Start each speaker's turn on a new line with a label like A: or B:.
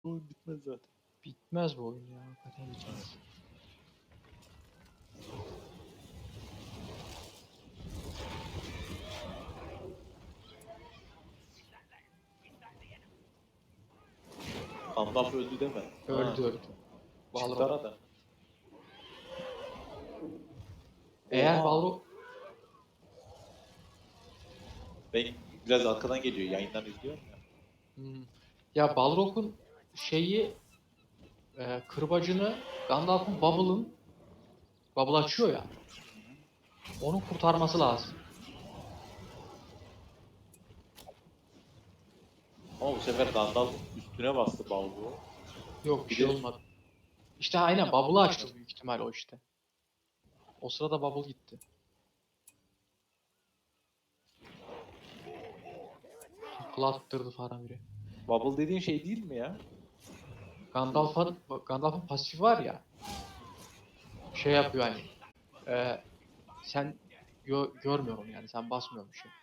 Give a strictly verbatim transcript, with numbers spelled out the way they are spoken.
A: Bu bitmez zaten.
B: Bitmez bu oyun ya. Hakikaten bitmez.
A: Gandalf öldü deme.
B: Öldü
A: Ha,
B: öldü.
A: çıktı
B: Balrog.
A: arada.
B: Eğer
A: Oha.
B: Balrog...
A: Ben biraz arkadan geliyor. Yayından izliyorum ya.
B: Hmm. Ya Balrog'un şeyi e, kırbacını Gandalf'ın Bubble'ın Bubble açıyor ya. Onun kurtarması lazım.
A: Ama bu sefer Gandalf üstüne bastı Balrog'u.
B: Yok bir
A: Bir
B: şey
A: de
B: olmadı. İşte aynen Bubble'ı açtı büyük ihtimal o işte. O sırada Bubble gitti. Takla attırdı Faramir'e.
A: Bubble dediğin şey değil mi ya?
B: Gandalf'ın Gandalf'ın pasifi var ya. Şey yapıyor hani. E, sen gö görmüyorum yani sen basmıyormuşsun.